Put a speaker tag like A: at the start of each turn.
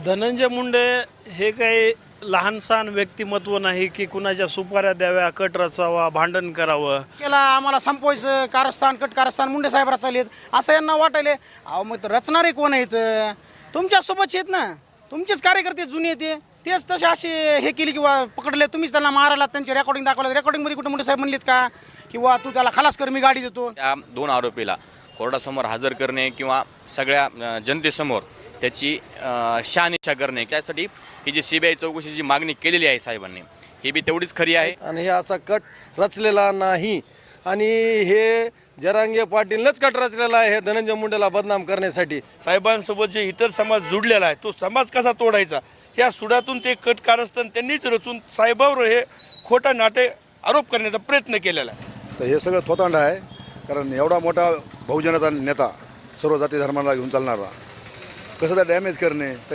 A: धनंजय मुंडे हे काही लहानसहान व्यक्तिमत्व नाही की कुणाच्या सुपाऱ्या द्याव्या, कट रचावा, भांडण करावं.
B: केला आम्हाला संपवायचं कारस्थान कट कारस्थान मुंडे साहेब रचालेत असं यांना वाटायले. अहो मग तर रचणारे कोण आहेत? तुमच्यासोबतचे आहेत ना, तुमचेच कार्यकर्ते जुने येते तेच तसे असे हे केली किंवा पकडले तुम्हीच त्यांना मारायला. त्यांचे रेकॉर्डिंग दाखवलं, रेकॉर्डिंगमध्ये कुठे मुंडे साहेब म्हणलेत का किंवा तू त्याला खलास कर, मी गाडी देतो?
C: त्या दोन आरोपीला कोर्टासमोर हजर करणे किंवा सगळ्या जनतेसमोर त्याची शहानिशा करणे, त्यासाठी ही जी CBI चौकशीची मागणी केलेली आहे साहेबांनी, ही बी तेवढीच खरी आहे.
D: आणि हे असा कट रचलेला नाही आणि हे जरांगे पाटीलनंच कट रचलेला आहे हे धनंजय मुंडेला बदनाम करण्यासाठी.
E: साहेबांसोबत जे इतर समाज जुडलेला आहे तो समाज कसा तोडायचा ह्या सुडातून ते कट कारस्थान त्यांनीच रचून साहेबावर हे खोटा नाटे आरोप करण्याचा प्रयत्न केलेला आहे.
F: तर हे सगळं थोतांड आहे. कारण एवढा मोठा बहुजनता नेता सर्व जाती धर्माला घेऊन चालणारा कसं डॅमेज करणे.